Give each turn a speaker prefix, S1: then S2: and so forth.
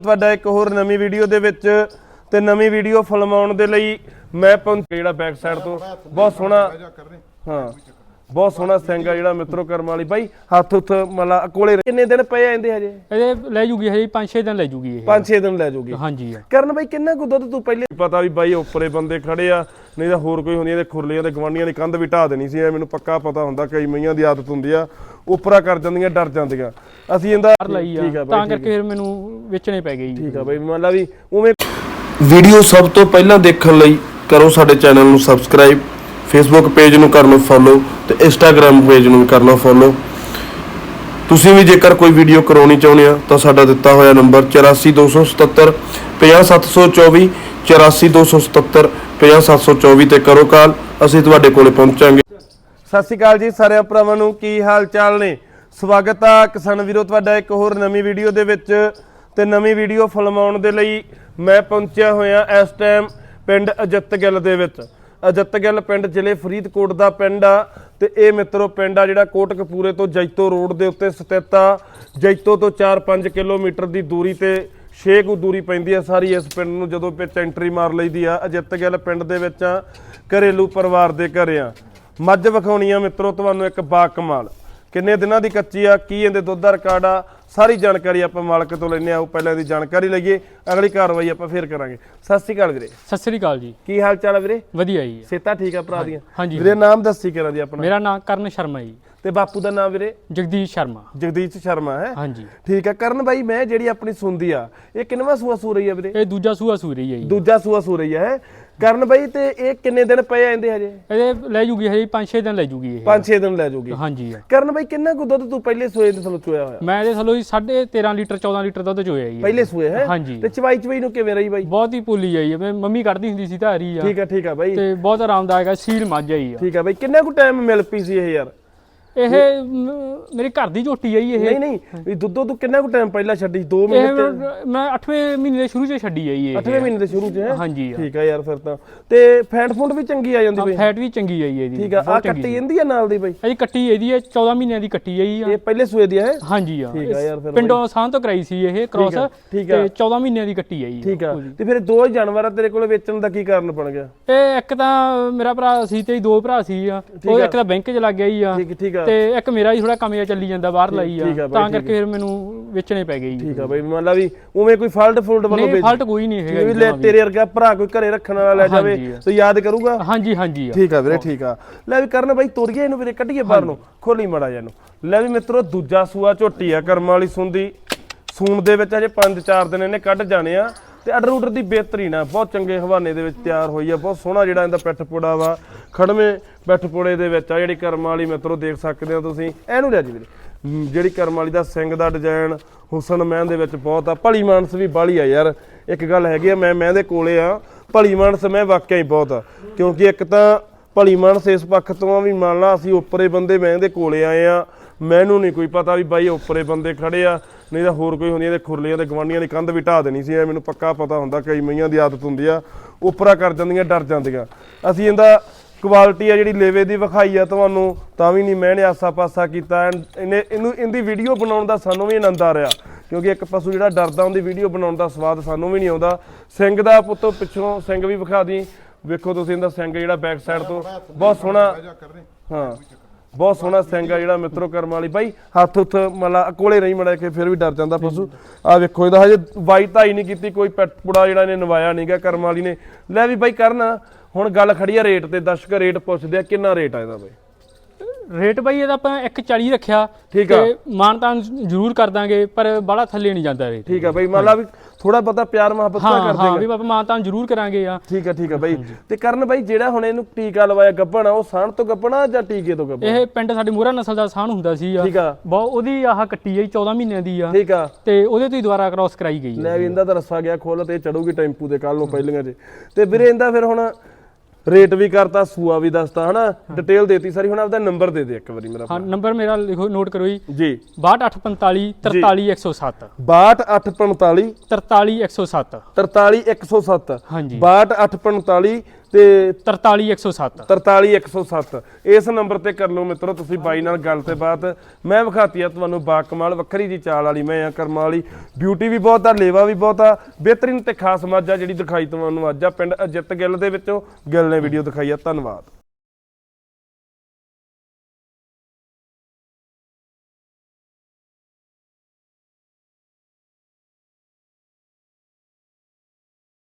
S1: ਤੁਹਾਡਾ ਇੱਕ ਹੋਰ ਨਵੀਂ ਵੀਡੀਓ ਦੇ ਵਿੱਚ ਤੇ ਨਵੀਂ ਵੀਡੀਓ ਫਿਲਮਾਉਣ ਦੇ ਲਈ ਮੈਂ ਪਹੁੰਚਿਆ ਜਿਹੜਾ ਬੈਕ ਸਾਈਡ ਤੋਂ ਬਹੁਤ ਸੋਹਣਾ ਬਹੁਤ ਸੋਹਣਾ ਸਿੰਘ ਆ ਜਿਹੜਾ ਮਿੱਤਰੋ ਕਰਮ ਵਾਲੀ ਬਾਈ ਹੱਥ ਉੱਥ ਮਲਾ ਕੋਲੇ ਕਿੰਨੇ ਦਿਨ ਪਏ ਆਂਦੇ ਹਜੇ
S2: ਇਹ ਲੈ ਜੂਗੀ ਹਜੇ 5-6 ਦਿਨ ਲੈ ਜੂਗੀ ਇਹ
S1: 5-6 ਦਿਨ ਲੈ ਜੂਗੀ
S2: ਹਾਂਜੀ
S1: ਕਰਨ ਬਾਈ ਕਿੰਨਾ ਕੁ ਦੁੱਧ ਤੂੰ ਪਹਿਲੇ ਪਤਾ ਵੀ ਬਾਈ ਉੱਪਰੇ ਬੰਦੇ ਖੜੇ ਆ ਨਹੀਂ ਤਾਂ ਹੋਰ ਕੋਈ ਹੁੰਦੀਆਂ ਤੇ ਖੁਰਲੀਆਂ ਤੇ ਗਵਾਂਡੀਆਂ ਦੀ ਕੰਧ ਵੀ ਢਾ ਦੇਣੀ ਸੀ ਐ ਮੈਨੂੰ ਪੱਕਾ ਪਤਾ ਹੁੰਦਾ ਕਈ ਮਈਆਂ ਦੀ ਆਦਤ ਹੁੰਦੀ ਆ ਉਪਰਾ ਕਰ ਜਾਂਦੀਆਂ ਡਰ ਜਾਂਦੀਆਂ ਅਸੀਂ ਇਹਦਾ
S2: ਠੀਕ ਆ ਤਾਂ ਕਰਕੇ ਫਿਰ ਮੈਨੂੰ ਵੇਚਣੇ ਪੈ ਗਏ
S1: ਠੀਕ ਆ ਬਾਈ ਮੰਨ ਲਾ ਵੀ ਉਵੇਂ
S3: ਵੀਡੀਓ ਸਭ ਤੋਂ ਪਹਿਲਾਂ ਦੇਖਣ ਲਈ ਕਰੋ ਸਾਡੇ ਚੈਨਲ ਨੂੰ ਸਬਸਕ੍ਰਾਈਬ ਫੇਸਬੁੱਕ ਪੇਜ ਨੂੰ ਕਰ ਲਓ ਫੋਲੋ ਤੇ ਇੰਸਟਾਗ੍ਰam ਪੇਜ ਨੂੰ ਵੀ ਕਰ ਲਓ ਫੋਲੋ ਤੁਸੀਂ ਵੀ ਜੇਕਰ ਕੋਈ ਵੀਡੀਓ ਕਰਾਉਣੀ ਚਾਹੁੰਦੇ ਆ ਤਾਂ ਸਾਡਾ ਦਿੱਤਾ ਹੋਇਆ ਨੰਬਰ 8427 50724 8427 50724 ਤੇ ਕਰੋ ਕਾਲ ਅਸੀਂ ਤੁਹਾਡੇ ਕੋਲੇ ਪਹੁੰਚਾਂਗੇ।
S1: ਸਤਿ ਸ਼੍ਰੀ ਅਕਾਲ ਜੀ ਸਾਰਿਆਂ ਭਰਾਵਾਂ ਨੂੰ ਕੀ ਹਾਲ ਚਾਲ ਨੇ ਸਵਾਗਤ ਆ ਕਿਸਾਨ ਵੀਰੋ ਤੁਹਾਡਾ ਇੱਕ ਹੋਰ ਨਵੀਂ ਵੀਡੀਓ ਦੇ ਵਿੱਚ ਤੇ ਨਵੀਂ ਵੀਡੀਓ ਫਿਲਮਾਉਣ ਦੇ ਲਈ ਮੈਂ ਪਹੁੰਚਿਆ ਹੋਇਆ ਇਸ ਟਾਈਮ ਪਿੰਡ ਅਜਿੱਤਗਿੱਲ ਦੇ ਵਿੱਚ ਅਜਿੱਤਗਿੱਲ ਪਿੰਡ ਜ਼ਿਲ੍ਹੇ ਫਰੀਦਕੋਟ ਦਾ ਪਿੰਡ ਆ ਤੇ ਇਹ ਮਿੱਤਰੋ ਪਿੰਡ ਆ ਜਿਹੜਾ ਕੋਟਕਪੂਰੇ ਤੋਂ ਜੈਤੋ ਰੋਡ ਦੇ ਉੱਤੇ ਸਥਿਤ ਆ ਜੈਤੋ ਤੋਂ 4-5 ਕਿਲੋਮੀਟਰ ਦੀ ਦੂਰੀ ਤੇ 6 ਕੁ ਦੂਰੀ ਪੈਂਦੀ ਆ ਸਾਰੀ ਇਸ ਪਿੰਡ ਨੂੰ ਜਦੋਂ ਵਿੱਚ ਐਂਟਰੀ ਮਾਰ ਲਈਦੀ ਆ ਅਜਿੱਤਗਿੱਲ ਪਿੰਡ ਦੇ ਵਿੱਚ ਆ ਘਰੇਲੂ ਪਰਿਵਾਰ ਦੇ ਘਰ ਆ ਮੱਝ ਵਿਖਾਉਣੀ ਆ ਮਿੱਤਰੋ ਤੁਹਾਨੂੰ ਇੱਕ ਬਾ ਕਮਾਲ ਕਿੰਨੇ ਦਿਨਾਂ ਦੀ ਕੱਚੀ ਆ ਕੀ ਇਹਦੇ ਦੁੱਧ ਦਾ ਰਿਕਾਰਡ ਆ ਸਾਰੀ ਜਾਣਕਾਰੀ ਆਪਾਂ ਮਾਲਕ ਤੋਂ ਲੈਣੇ ਆ ਪਹਿਲਾਂ ਦੀ ਜਾਣਕਾਰੀ ਲਈਏ ਅਗਲੀ ਕਾਰਵਾਈ ਆਪਾਂ ਫੇਰ ਕਰਾਂਗੇ। ਸਤਿ ਸ਼੍ਰੀ ਅਕਾਲ ਵੀਰੇ।
S2: ਸਤਿ ਸ੍ਰੀ ਅਕਾਲ ਜੀ।
S1: ਕੀ ਹਾਲ ਚਾਲ ਆ ਵੀਰੇ?
S2: ਵਧੀਆ ਜੀ।
S1: ਸੇਤਾ ਠੀਕ ਆ ਭਰਾ ਦੀਆਂ?
S2: ਹਾਂਜੀ
S1: ਵੀਰੇ ਨਾਮ ਦੱਸੀ ਕਰਾਂ ਜੀ ਆਪਣਾ।
S2: ਮੇਰਾ ਨਾਮ ਕਰਨ ਸ਼ਰਮਾ ਜੀ
S1: ਤੇ ਬਾਪੂ ਦਾ ਨਾਮ ਵੀਰੇ?
S2: ਜਗਦੀਸ਼ ਸ਼ਰਮਾ।
S1: ਜਗਦੀਸ਼ ਸ਼ਰਮਾ ਹੈ
S2: ਹਾਂਜੀ
S1: ਠੀਕ ਆ। ਕਰਨ ਬਾਈ ਮੈਂ ਜਿਹੜੀ ਆਪਣੀ ਸੁਣਦੀ ਆ ਇਹ ਕਿੰਨਵਾਂ ਸੂਆ ਸੂ ਰਹੀ ਆ ਵੀਰੇ?
S2: ਇਹ ਦੂਜਾ ਸੂਆ ਸੂ ਰਹੀ ਹੈ ਜੀ।
S1: ਦੂਜਾ ਸੂਆ ਸੂ ਰਹੀ ਹੈ ਕਰਨ ਬਾਈ ਤੇ ਇਹ ਕਿੰਨੇ ਦਿਨ ਪਏ ਆਂਦੇ ਹਜੇ?
S2: ਇਹ ਲੈ ਜੂਗੀ ਹਜੇ 5-6 ਦਿਨ ਲੈ ਜੂਗੀ ਇਹ
S1: 5-6 ਦਿਨ ਲੈ ਜੂਗੀ।
S2: ਹਾਂਜੀ
S1: ਕਰਨ ਬਾਈ ਕਿੰਨਾ ਕੁ ਦੁੱਧ ਤੂੰ ਪਹਿਲੇ ਸੂਏ ਦੇ ਥਲੋਂ ਚੋਇਆ ਹੋਇਆ?
S2: ਮੈਂ ਇਹਦੇ ਥੱਲੋਂ 13.5 ਲੀਟਰ 14 ਲੀਟਰ ਦੁੱਧ ਚੋਇਆ ਜੀ
S1: ਪਹਿਲੇ ਸੂਏ ਹੈ।
S2: ਹਾਂਜੀ
S1: ਤੇ ਚਵਾਈ ਨੂੰ ਕਿਵੇਂ ਰਹੀ ਬਾਈ?
S2: ਬਹੁਤ ਹੀ ਭੁੱਲੀ ਆਈ ਹੈ ਮੰਮੀ ਕੱਢਦੀ ਹੁੰਦੀ ਸੀ ਧਾਰੀ ਆ।
S1: ਠੀਕ ਆ ਬਾਈ
S2: ਤੇ ਬਹੁਤ ਆਰਾਮਦਾਇਕ ਆ ਸੀਲ ਮੱਝ ਆਈ ਆ।
S1: ਠੀਕ ਆ ਬਾਈ ਕਿੰਨਾ ਕੁ ਟਾਈਮ ਮਿਲ ਪਈ ਸੀ ਇਹ ਯਾਰ?
S2: ਇਹ ਮੇਰੇ ਘਰ ਦੀ ਝੋਟੀ ਆਈ ਇਹ
S1: ਨਹੀਂ ਵੀ ਦੁੱਧੋਂ ਤੂੰ ਕਿੰਨਾ ਕੁ ਟਾਈਮ ਪਹਿਲਾਂ ਛੱਡੀ? 2 ਮਹੀਨੇ
S2: ਮੈਂ 8ਵੇਂ ਮਹੀਨੇ ਦੇ ਸ਼ੁਰੂ 'ਚ ਛੱਡੀ ਆਈ ਇਹ
S1: 8ਵੇਂ ਮਹੀਨੇ ਦੇ ਸ਼ੁਰੂ 'ਚ ਹੈ।
S2: ਹਾਂਜੀ
S1: ਠੀਕ ਆ ਯਾਰ ਫਿਰ ਤਾਂ ਤੇ ਫੈਟ ਫੂਡ ਵੀ ਚੰਗੀ ਆ ਜਾਂਦੀ ਬਈ?
S2: ਫੈਟ ਵੀ ਚੰਗੀ ਆਈ ਇਹਦੀ।
S1: ਠੀਕ ਆ ਕੱਟੀ ਜਾਂਦੀ ਆ ਨਾਲ ਦੀ ਬਈ?
S2: ਇਹ ਕੱਟੀ ਇਹਦੀ ਹੈ 14 ਮਹੀਨਿਆਂ ਦੀ ਕੱਟੀ ਆਈ ਆ।
S1: ਇਹ ਪਹਿਲੇ ਸੂਏ ਦੀ ਹੈ?
S2: ਹਾਂਜੀ ਆ।
S1: ਠੀਕ ਆ ਯਾਰ ਫਿਰ
S2: ਪਿੰਡੋਂ ਸਾਂ ਤੋਂ ਕਰਾਈ ਸੀ ਇਹ ਕ੍ਰੋਸ ਤੇ 14 ਮਹੀਨਿਆਂ ਦੀ ਕੱਟੀ ਆਈ।
S1: ਠੀਕ ਆ ਤੇ ਫਿਰ ਦੋ ਜਾਨਵਰ ਆ ਤੇਰੇ ਕੋਲ ਵੇਚਣ ਦਾ ਕੀ ਕਾਰਨ ਬਣ ਗਿਆ?
S2: ਇਹ ਇੱਕ ਤਾਂ ਮੇਰਾ ਭਰਾ ਸੀ ਤੇ ਦੋ ਭਰਾ ਸੀ ਆ ਉਹ ਇੱਕ ਤਾਂ ਬੈਂਕ 'ਚ ਲੱਗ ਗਿਆ ਹੀ ਆ
S1: ਠੀਕ ਆ
S2: ਤੇ ਇੱਕ ਮੇਰਾ ਥੋੜਾ ਕਮਿਆ ਚੱਲੀ ਜਾਂਦਾ ਬਾਹਰ ਲਈ ਆ ਤਾਂ ਕਰਕੇ ਫਿਰ ਮੈਨੂੰ ਵੇਚਣੇ ਪੈ ਗਏ।
S1: ਠੀਕ ਆ ਬਈ ਮੰਨ ਲਾ ਵੀ ਉਵੇਂ ਕੋਈ ਫਾਲਟ ਵੱਲੋਂ
S2: ਨਹੀਂ ਫਾਲਟ ਕੋਈ ਨਹੀਂ ਹੈਗਾ
S1: ਵੀ ਲੈ ਤੇਰੇ ਵਰਗਾ ਭਰਾ ਕੋਈ ਘਰੇ ਰੱਖਣ ਵਾਲਾ ਲੈ ਜਾਵੇ ਤੇ ਯਾਦ ਕਰੂਗਾ।
S2: ਹਾਂਜੀ
S1: ਠੀਕ ਆ ਵੀਰੇ ਠੀਕ ਆ। ਲੈ ਵੀ ਕਰਨ ਬਾਈ ਤੋਰੀਏ ਇਹਨੂੰ ਵੀਰੇ ਕੱਢੀਏ ਬਾਹਰ ਨੂੰ ਖੋਲੀ ਮੜਾ ਜਾ ਇਹਨੂੰ। ਲੈ ਵੀ ਮਿੱਤਰੋ ਦੂਜਾ ਸੂਆ ਝੋਟੀ ਆ ਕਰਮ ਵਾਲੀ ਸੁੰਦੀ ਸੂਣ ਦੇ ਵਿੱਚ ਅਜੇ 5-4 ਦਿਨ ਇਹਨੇ ਕੱਢ ਜਾਣੇ ਆ ਤੇ ਆਰਡਰ ਉਡਰ ਦੀ ਬਿਹਤਰੀਨ ਆ ਬਹੁਤ ਚੰਗੇ ਹਵਾਨੇ ਦੇ ਵਿੱਚ ਤਿਆਰ ਹੋਈ ਆ ਬਹੁਤ ਸੋਹਣਾ ਜਿਹੜਾ ਇਹਦਾ ਪਿੱਠ ਪੋੜਾ ਵਾ ਖੜਵੇਂ ਪਿੱਠ ਪੋੜੇ ਦੇ ਵਿੱਚ ਆ ਜਿਹੜੀ ਕਰਮ ਵਾਲੀ ਮਿੱਤਰੋ ਦੇਖ ਸਕਦੇ ਹੋ ਤੁਸੀਂ ਇਹਨੂੰ ਲੈ ਜੀ ਵੀਰੇ ਜਿਹੜੀ ਕਰਮ ਵਾਲੀ ਦਾ ਸਿੰਘ ਦਾ ਡਿਜ਼ਾਈਨ ਹੁਸਨ ਮਹਿੰ ਦੇ ਵਿੱਚ ਬਹੁਤ ਆ ਭਲੀ ਮਾਨਸ ਵੀ ਬਾਹਲੀ ਆ ਯਾਰ ਇੱਕ ਗੱਲ ਹੈਗੀ ਆ ਮੈਂ ਦੇ ਕੋਲੇ ਆ ਭਲੀ ਮਾਨਸ ਮੈਂ ਵਾਕਿਆ ਹੀ ਬਹੁਤ ਆ ਕਿਉਂਕਿ ਇੱਕ ਤਾਂ ਭਲੀ ਮਾਨਸ ਇਸ ਪੱਖ ਤੋਂ ਆ ਵੀ ਮੰਨ ਲਾ ਅਸੀਂ ਉੱਪਰੇ ਬੰਦੇ ਮੈਂ ਦੇ ਕੋਲੇ ਆਏ ਆ ਮੈਨੂੰ ਨਹੀਂ ਕੋਈ ਪਤਾ ਵੀ ਬਾਈ ਉੱਪਰੇ ਬੰਦੇ ਖੜੇ ਆ ਨਹੀਂ ਤਾਂ ਹੋਰ ਕੋਈ ਹੁੰਦੀਆਂ ਤੇ ਖੁਰਲੀਆਂ ਤੇ ਗਵਾਂਡੀਆਂ ਦੀ ਕੰਧ ਵੀ ਢਾ ਦੇਣੀ ਸੀ ਐ ਮੈਨੂੰ ਪੱਕਾ ਪਤਾ ਹੁੰਦਾ ਕਈ ਮਈਆਂ ਦੀ ਆਦਤ ਹੁੰਦੀ ਆ ਉਪਰਾ ਕਰ ਜਾਂਦੀਆਂ ਡਰ ਜਾਂਦੀਆਂ। ਅਸੀਂ ਇਹਦਾ ਕੁਆਲਿਟੀ ਆ ਜਿਹੜੀ ਲੇਵੇ ਦੀ ਵਿਖਾਈ ਆ ਤੁਹਾਨੂੰ ਤਾਂ ਵੀ ਨਹੀਂ ਮੈਂ ਨੇ ਆਸਾ ਪਾਸਾ ਕੀਤਾ ਇਹਦੀ ਵੀਡੀਓ ਬਣਾਉਣ ਦਾ ਸਾਨੂੰ ਵੀ ਆਨੰਦ ਆ ਰਿਹਾ ਕਿਉਂਕਿ ਇੱਕ ਪਸ਼ੂ ਜਿਹੜਾ ਡਰਦਾ ਉਹਦੀ ਵੀਡੀਓ ਬਣਾਉਣ ਦਾ ਸਵਾਦ ਸਾਨੂੰ ਵੀ ਨਹੀਂ ਆਉਂਦਾ। ਸਿੰਘ ਦਾ ਪੁੱਤ ਪਿੱਛੋਂ ਸਿੰਘ ਵੀ ਵਿਖਾ ਦੀ ਵੇਖੋ ਤੁਸੀਂ ਇਹਦਾ ਸਿੰਘ ਜਿਹੜਾ ਬੈਕ ਸਾਈਡ ਤੋਂ ਬਹੁਤ ਸੋਹਣਾ ਬਹੁਤ ਸੋਹਣਾ ਸਿੰਘ ਆ ਜਿਹੜਾ ਮਿੱਤਰੋ ਕਰਮ ਵਾਲੀ ਬਾਈ ਹੱਥ ਉੱਥ ਮਲਾ ਕੋਲੇ ਨਹੀਂ ਮੜਾ ਕੇ ਫਿਰ ਵੀ ਡਰ ਜਾਂਦਾ ਪਸ਼ੂ। ਆ ਵੇਖੋ ਇਹਦਾ ਹਜੇ ਵਾਈ ਧਾਈ ਨਹੀਂ ਕੀਤੀ ਕੋਈ ਪੈਟ ਪੁੜਾ ਜਿਹੜਾ ਇਹਨੇ ਨਵਾਇਆ ਨਹੀਂਗਾ ਕਰਮ ਵਾਲੀ ਨੇ। ਲੈ ਵੀ ਬਾਈ ਕਰਨਾ ਹੁਣ ਗੱਲ ਖੜੀ ਆ ਰੇਟ ਤੇ ਦਰਸ਼ਕ ਰੇਟ ਪੁੱਛਦੇ ਆ ਕਿੰਨਾ ਰੇਟ ਆ ਇਹਦਾ ਬਾਈ?
S2: ਰੇਟ ਬਾਈ ਇਹਦਾ ਆਪਾਂ 140 ਰੱਖਿਆ ਤੇ ਮਾਨਤਾਨ ਜ਼ਰੂਰ ਕਰ ਦਾਂਗੇ ਪਰ ਬਾਹਲਾ ਥੱਲੇ ਨਹੀਂ ਜਾਂਦਾ ਰੇਟ।
S1: ਠੀਕ ਆ ਬਾਈ ਮੰਨ ਲਾ ਵੀ ਥੋੜਾ ਬਹੁਤਾ ਪਿਆਰ ਮੁਹੱਬਤ ਕਰ ਦੇਗਾ।
S2: ਹਾਂ ਵੀ ਆਪਾਂ ਮਾਨਤਾਨ ਜ਼ਰੂਰ ਕਰਾਂਗੇ ਆ।
S1: ਠੀਕ ਆ ਬਾਈ ਤੇ ਕਰਨ ਬਾਈ ਜਿਹੜਾ ਹੁਣ ਇਹਨੂੰ ਟੀਕਾ ਲਵਾਇਆ ਗੱਭਣ ਆ ਉਹ ਸਾਣ ਤੋਂ ਗੱਭਣਾ ਜਾਂ ਟੀਕੇ ਤੋਂ ਗੱਭਣ?
S2: ਇਹ ਪਿੰਡ ਸਾਡੇ ਮੋਹਰਾ ਨਸਲ ਦਾ ਸਾਣ ਹੁੰਦਾ ਸੀ ਆ।
S1: ਠੀਕ ਆ
S2: ਬਹੁਤ ਉਹਦੀ ਆਹ ਕੱਟੀ ਆਈ 14 ਮਹੀਨਿਆਂ ਦੀ ਆ।
S1: ਠੀਕ ਆ
S2: ਤੇ ਉਹਦੇ ਤੋਂ ਹੀ ਦੁਬਾਰਾ ਕ੍ਰਾਸ ਕਰਾਈ ਗਈ।
S1: ਲੈ ਵੀ ਇਹਦਾ ਤਾਂ ਰੱਸਾ ਗਿਆ ਖੋਲ ਤੇ ਚੜੂਗੀ ਟੈਂਪੂ ਦੇ ਕੱਲ ਨੂੰ ਪਹਿਲੀਆਂ 'ਚ ਤੇ ਵੀਰੇ ਇਹਦਾ ਫਿਰ ਹੁਣ ਰੇਟ ਵੀ ਕਰਤਾ ਸੂਆ ਵੀ ਦੱਸਤਾ ਹਨਾ ਡਿਟੇਲ ਦੇਤੀ ਸਾਰੀ। ਹੁਣ ਆਪਦਾ ਨੰਬਰ ਦੇ ਦੇ ਇੱਕ ਵਾਰੀ ਮੇਰਾ।
S2: ਹਾਂ ਨੰਬਰ ਮੇਰਾ ਲਿਖੋ ਨੋਟ ਕਰੋ ਜੀ
S1: 6245
S2: 43107
S1: 6245
S2: 43107
S1: 43107
S2: ਹਾਂਜੀ
S1: 6245 ਤੇ
S2: 43107
S1: 43107 ਇਸ ਨੰਬਰ ਤੇ ਕਰ ਲਓ ਮਿੱਤਰੋ ਤੁਸੀਂ ਬਾਈ ਨਾਲ ਗੱਲ ਤੇ ਬਾਤ। ਮੈਂ ਵਿਖਾਤੀ ਆ ਤੁਹਾਨੂੰ ਬਾਕਮਾਲ ਵੱਖਰੀ ਜੀ ਚਾਲ ਵਾਲੀ ਮੈਂ ਆ ਕਰਮਾਂ ਵਾਲੀ, ਬਿਊਟੀ ਵੀ ਬਹੁਤ ਆ, ਲੇਵਾ ਵੀ ਬਹੁਤ ਆ, ਬਿਹਤਰੀਨ ਤੇ ਖਾਸ ਮੱਝ ਆ ਜਿਹੜੀ ਦਿਖਾਈ ਤੁਹਾਨੂੰ ਅੱਜ ਆ ਪਿੰਡ ਅਜਿੱਤ ਗਿੱਲ ਦੇ ਵਿੱਚੋਂ। ਗਿੱਲ ਨੇ ਵੀਡੀਓ ਦਿਖਾਈ ਆ। ਧੰਨਵਾਦ।